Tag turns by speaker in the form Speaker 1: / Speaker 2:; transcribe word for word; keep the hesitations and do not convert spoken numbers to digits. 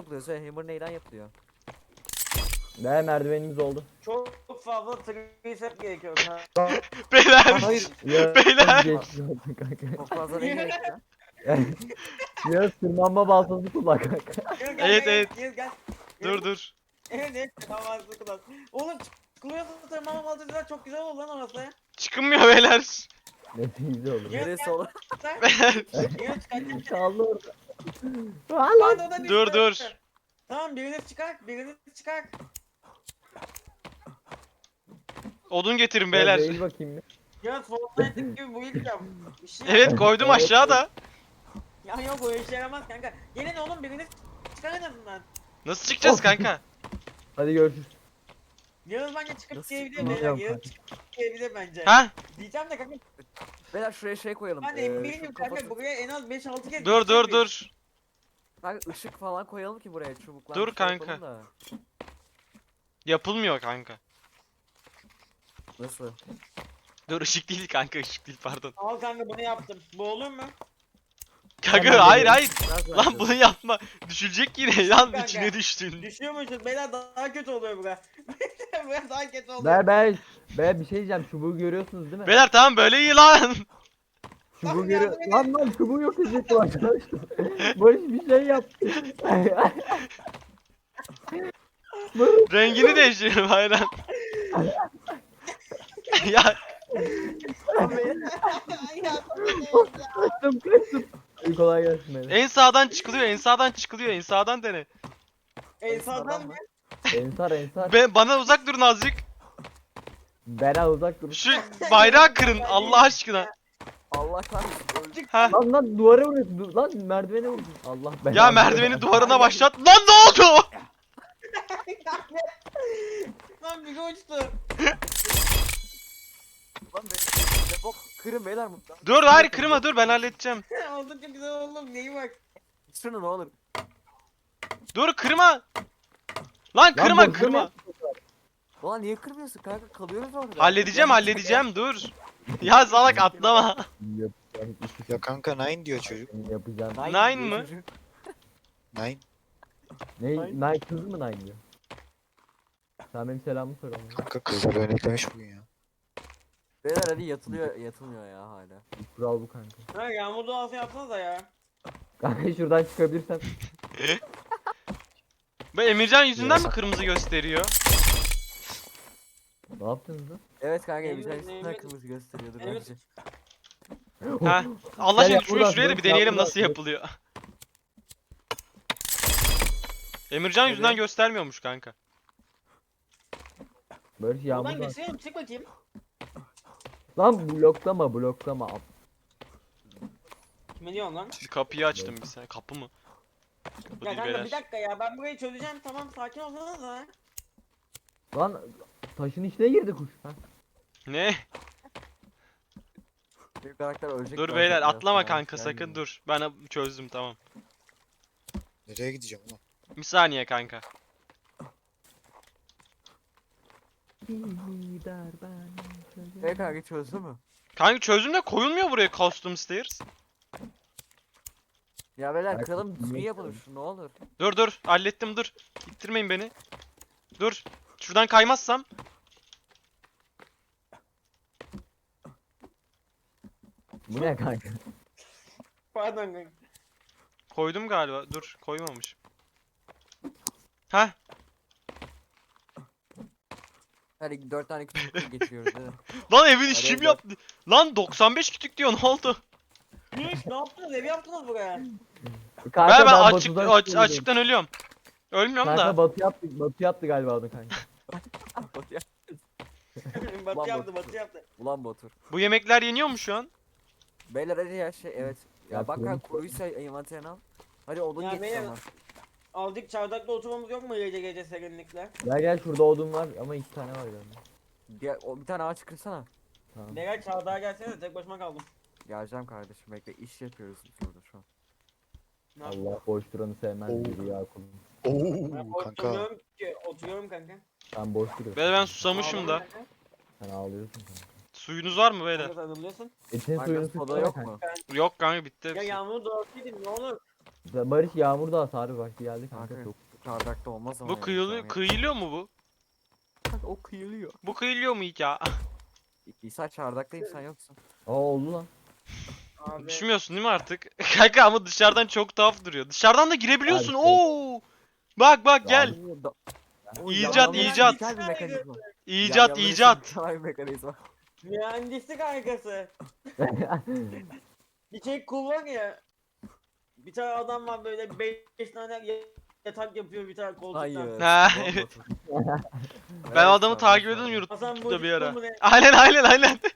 Speaker 1: yapılıyor? Söyle, hammer neyden yapılıyor?
Speaker 2: Ne merdivenimiz oldu.
Speaker 3: Çok fazla tricep gerekiyor kanka.
Speaker 4: Beyler.
Speaker 1: Hayır.
Speaker 2: Ya,
Speaker 4: Beyler.
Speaker 2: geçmiş oldu kanka.
Speaker 1: Çok fazla ne gerekiyor?
Speaker 2: Ya tırmanma baltası kullan kanka.
Speaker 3: Gel, gel,
Speaker 4: Evet,
Speaker 3: gel,
Speaker 4: evet.
Speaker 3: Gel gel.
Speaker 4: Dur dur.
Speaker 3: Evet evet. Tamam kullan. Oğlum çıkılıyorsa tırmanma baltacılar çok güzel olur lan orası.
Speaker 4: Çıkılmıyor beyler.
Speaker 2: Ne güzel olur.
Speaker 3: Gel,
Speaker 1: Neresi
Speaker 3: gel.
Speaker 1: olur?
Speaker 3: Sen
Speaker 4: Beyler.
Speaker 3: yine çıkartacağım.
Speaker 2: Kaldı orada.
Speaker 3: Lan o da düştü.
Speaker 4: Dur dur.
Speaker 3: Tamam biriniz çıkar. Biriniz çıkar.
Speaker 4: Odun getirin
Speaker 2: Beyler.
Speaker 4: beyler.
Speaker 2: Eğil bakayım bir.
Speaker 3: Ya Fortnite gibi bu ilk yap. Bir şey
Speaker 4: Evet koydum
Speaker 2: Evet.
Speaker 4: aşağıda.
Speaker 3: Ya yok o işe yaramaz kanka. Gelin oğlum biriniz çıkar en azından.
Speaker 4: Nasıl çıkacağız
Speaker 2: Of.
Speaker 4: kanka?
Speaker 2: Hadi görüşürüz.
Speaker 3: Yağız bence çıkıp
Speaker 1: Nasıl
Speaker 3: diyebilir
Speaker 2: çıkmıyor
Speaker 3: beyler. Yağız çıkıp diyebilir bence.
Speaker 4: Ha?
Speaker 3: Diyeceğim de kanka
Speaker 1: Beyler şuraya şey koyalım.
Speaker 3: ben
Speaker 1: ee,
Speaker 3: eminim
Speaker 1: şu
Speaker 3: kanka
Speaker 1: kafası-
Speaker 3: buraya en az beş altı kez
Speaker 4: Dur dur
Speaker 3: gideceğiz
Speaker 4: dur.
Speaker 1: Kanka ışık falan koyalım ki buraya çubuklar.
Speaker 4: Dur
Speaker 1: bir şey
Speaker 4: kanka.
Speaker 1: yapalım da.
Speaker 4: Yapılmıyor kanka.
Speaker 1: Nasıl?
Speaker 4: Dur ışık değil kanka ışık değil pardon.
Speaker 3: biz. Al kanka bunu yaptım. Bu olur mu?
Speaker 4: Kanka
Speaker 2: Hemen
Speaker 4: hayır
Speaker 2: geliyorum.
Speaker 4: hayır.
Speaker 1: Biraz
Speaker 4: Lan
Speaker 1: bence.
Speaker 4: bunu yapma. Düşülecek yine lan
Speaker 3: Kanka.
Speaker 4: içine düştün.
Speaker 3: Düşüyormuşuz beyler daha kötü oluyor bura. Bura daha kötü oluyor.
Speaker 2: Ber ber. Ber bir şey diyeceğim. Çubuğu görüyorsunuz değil mi?
Speaker 4: Beyler tamam böyle iyi lan.
Speaker 2: Çubuğu
Speaker 3: Lan
Speaker 2: görüyor.
Speaker 3: yardım edin.
Speaker 2: Lan lan çubuğu yok edecektim arkadaşlar. Barış bir şey yap. Barış.
Speaker 4: Rengini değiştirelim hayran. Ya
Speaker 3: Ya,
Speaker 2: Kaçtım kaçtım. İyi kolay gelsin beyler.
Speaker 4: en sağdan çıkılıyor en sağdan çıkılıyor en sağdan dene.
Speaker 3: En sağdan mı?
Speaker 2: Ensar ensar.
Speaker 4: Be bana uzak durun azıcık.
Speaker 2: Bera uzak dur.
Speaker 4: Şu bayrağı kırın Allah aşkına.
Speaker 1: Allah kahretsin. öldük.
Speaker 4: Ha.
Speaker 2: Lan lan duvara vuruyorsun. Du- Lan merdivene vuruyorsun. Allah belanı.
Speaker 4: Ya merdiveni duvarına başlat. Lan ne oldu?
Speaker 3: Lan bir uçtu.
Speaker 1: Lan be. Defol. Kırın beyler mutlu.
Speaker 4: Dur hayır kırma dur ben halledeceğim.
Speaker 3: Oldu çok güzel oğlum neyi bak.
Speaker 1: Şunu ne olur.
Speaker 4: Dur kırma. Lan
Speaker 2: Lan
Speaker 4: kırma
Speaker 2: bozdun
Speaker 4: kırma.
Speaker 2: ya.
Speaker 1: Ulan niye kırmıyorsun kanka? Kalıyoruz orada.
Speaker 4: Halledeceğim halledeceğim dur. Ya salak atlama.
Speaker 2: Yapacağım.
Speaker 5: Ya kanka nine diyor çocuk.
Speaker 2: Yapacağım.
Speaker 4: Nine
Speaker 1: diyor
Speaker 4: mı?
Speaker 1: çocuk.
Speaker 5: Nine.
Speaker 2: Ne? Nine kız mı Nine diyor? Sen benim selamımı sor ona.
Speaker 5: Kanka kızlar örneklemiş bugün ya.
Speaker 1: Beyler hadi yatılıyor yatılmıyor ya hala.
Speaker 2: Kural bu kanka.
Speaker 3: Ha yağmur duası yapsanız da ya.
Speaker 2: Kanka şuradan çıkabilirsem.
Speaker 4: Bu Emircan yüzünden mi kırmızı gösteriyor?
Speaker 2: Ne yaptınız lan?
Speaker 1: Evet kanka
Speaker 3: Emre-
Speaker 1: elbisen üstünden
Speaker 3: Emre-
Speaker 1: kırmızı gösteriyordu
Speaker 3: Evet.
Speaker 1: bence.
Speaker 4: Ha. Allah
Speaker 2: Gel
Speaker 4: aşkına
Speaker 2: yap
Speaker 4: şuraya,
Speaker 2: buradan,
Speaker 4: şuraya da
Speaker 2: dur,
Speaker 4: bir deneyelim
Speaker 2: yap
Speaker 4: nasıl
Speaker 2: buradan, dur.
Speaker 4: yapılıyor. Emircan yüzünden
Speaker 1: Evet.
Speaker 4: göstermiyormuş kanka.
Speaker 2: Böyle şey
Speaker 3: Buradan
Speaker 2: yağmur var.
Speaker 3: geçelim çık bakayım.
Speaker 2: Lan bloklama bloklama.
Speaker 3: Kime diyorsun lan?
Speaker 4: Kapıyı açtım bir saniye. Kapı mı? Kapı
Speaker 3: Ya
Speaker 4: değil
Speaker 3: kanka bir
Speaker 4: beyler.
Speaker 3: dakika ya ben burayı çözeceğim tamam sakin olsanız da.
Speaker 2: Lan taşın içine girdi kuş. Ha.
Speaker 4: Ne?
Speaker 1: Benim karakter ölecek.
Speaker 4: Dur
Speaker 1: zaten
Speaker 4: beyler
Speaker 1: biraz
Speaker 4: atlama
Speaker 1: sonra.
Speaker 4: kanka
Speaker 1: Gel
Speaker 4: sakın
Speaker 1: gidelim.
Speaker 4: dur. Ben çözdüm tamam.
Speaker 5: Nereye gideceğim ulan?
Speaker 4: Bir saniye kanka.
Speaker 1: E kanka çözdü mü?
Speaker 4: Kanka çözdüm de koyulmuyor buraya custom stairs.
Speaker 1: Ya beyler
Speaker 2: Kanka,
Speaker 1: kıralım düzgün
Speaker 2: niye
Speaker 1: yapalım şunu ne olur.
Speaker 4: Dur dur hallettim dur. İttirmeyin beni. Dur. Şuradan kaymazsam.
Speaker 2: Bu ne kanka?
Speaker 3: Pardon kanka.
Speaker 4: Koydum galiba. Dur koymamışım. Ha?
Speaker 1: Hadi dört tane küçük geçiyoruz değil mi?
Speaker 4: Lan evin işim
Speaker 1: Araya
Speaker 4: yaptı. Lan doksan beş kütük diyor ne oldu?
Speaker 3: Ne iş ne yaptınız ev yaptınız buraya.
Speaker 2: Kanka
Speaker 4: Ben, ben açık,
Speaker 2: Batu'dan
Speaker 4: aç,
Speaker 2: çıkıyorum.
Speaker 4: açıktan ölüyorum. Ölmüyorum
Speaker 2: Kanka
Speaker 4: da.
Speaker 2: Batu yaptı, Batu yaptı galiba onu kanka.
Speaker 1: Bot ya.
Speaker 3: batı
Speaker 1: Ulan
Speaker 3: yaptı
Speaker 1: bu-
Speaker 3: batı yaptı.
Speaker 1: Ulan Batur.
Speaker 4: Bu yemekler yeniyor mu şu an?
Speaker 1: Beyler hadi ya şey evet. Ya,
Speaker 2: Ya
Speaker 1: bak
Speaker 2: kurumuş
Speaker 1: kanka kuruysa envanterine al. Hadi odun
Speaker 3: Ya
Speaker 1: getir
Speaker 3: beyler-
Speaker 1: sana.
Speaker 3: Aldık çardakta oturmamız yok mu gece gece serinlikle?
Speaker 2: Gel gel şurada odun var ama iki tane var galiba.
Speaker 1: Gel, o, bir tane ağaç kırsana.
Speaker 2: Tamam.
Speaker 3: Beyler çardağa gelsene tek başıma kaldım.
Speaker 1: Geleceğim kardeşim bekle iş yapıyoruz burada şu an.
Speaker 3: Ne yapayım?
Speaker 2: Allah boş duranı sevmez
Speaker 5: Oo.
Speaker 2: biri ya kulum.
Speaker 3: Ben
Speaker 5: Oo kanka.
Speaker 3: oturuyorum ki oturuyorum kanka.
Speaker 2: Sen boş duruyorsun.
Speaker 4: Beyler ben susamışım
Speaker 3: Ağlama
Speaker 4: da.
Speaker 3: kanka.
Speaker 2: Sen ağlıyorsun kanka.
Speaker 4: Suyunuz var mı beyler?
Speaker 3: Kanka sarılıyorsun.
Speaker 2: İçin
Speaker 1: Kanka
Speaker 2: suyunu
Speaker 1: soda
Speaker 2: sıksana
Speaker 1: yok
Speaker 2: kanka.
Speaker 1: mu?
Speaker 4: Yok kanka bitti
Speaker 3: Ya
Speaker 4: hepsi.
Speaker 3: yağmur doğasıydın ne olur.
Speaker 2: Barış yağmurda hasarı vakti geldi kanka.
Speaker 1: Kanka
Speaker 2: Çok.
Speaker 1: çardakta olmaz ama.
Speaker 4: Bu
Speaker 1: ya,
Speaker 4: kıyılı,
Speaker 1: yani.
Speaker 4: kıyılıyor mu bu?
Speaker 1: Kanka o kıyılıyor.
Speaker 4: Bu kıyılıyor mu hiç ya?
Speaker 1: İsa çardaktayım sen yoksun.
Speaker 2: Aa oldu lan.
Speaker 3: Abi.
Speaker 4: Düşmüyorsun değil mi artık? Kanka ama dışarıdan çok tuhaf duruyor. Dışarıdan da girebiliyorsun.
Speaker 2: Abi,
Speaker 4: Oo! Bak bak gel.
Speaker 1: Abi, da- O
Speaker 4: İcat,
Speaker 1: yanlama
Speaker 4: icat.
Speaker 1: güzel bir mekanizma.
Speaker 4: İcat
Speaker 1: Yanlama
Speaker 4: icat.
Speaker 1: güzel bir mekanizma.
Speaker 3: Mühendislik harikası. Bir şey kullanıyor. Bir tane adam var böyle beş tane yatak yapıyor bir tane koltuktan.
Speaker 1: Hayır.
Speaker 4: Ha,
Speaker 1: Bomba
Speaker 4: evet.
Speaker 1: atıyor.
Speaker 4: Ben o
Speaker 1: Evet,
Speaker 4: adamı
Speaker 1: tamam,
Speaker 4: takip
Speaker 1: tamam.
Speaker 4: ediyordum
Speaker 3: Hasan
Speaker 4: YouTube'da bir
Speaker 3: Mucit'te
Speaker 4: ara.
Speaker 3: mi ne?
Speaker 4: Aynen aynen aynen.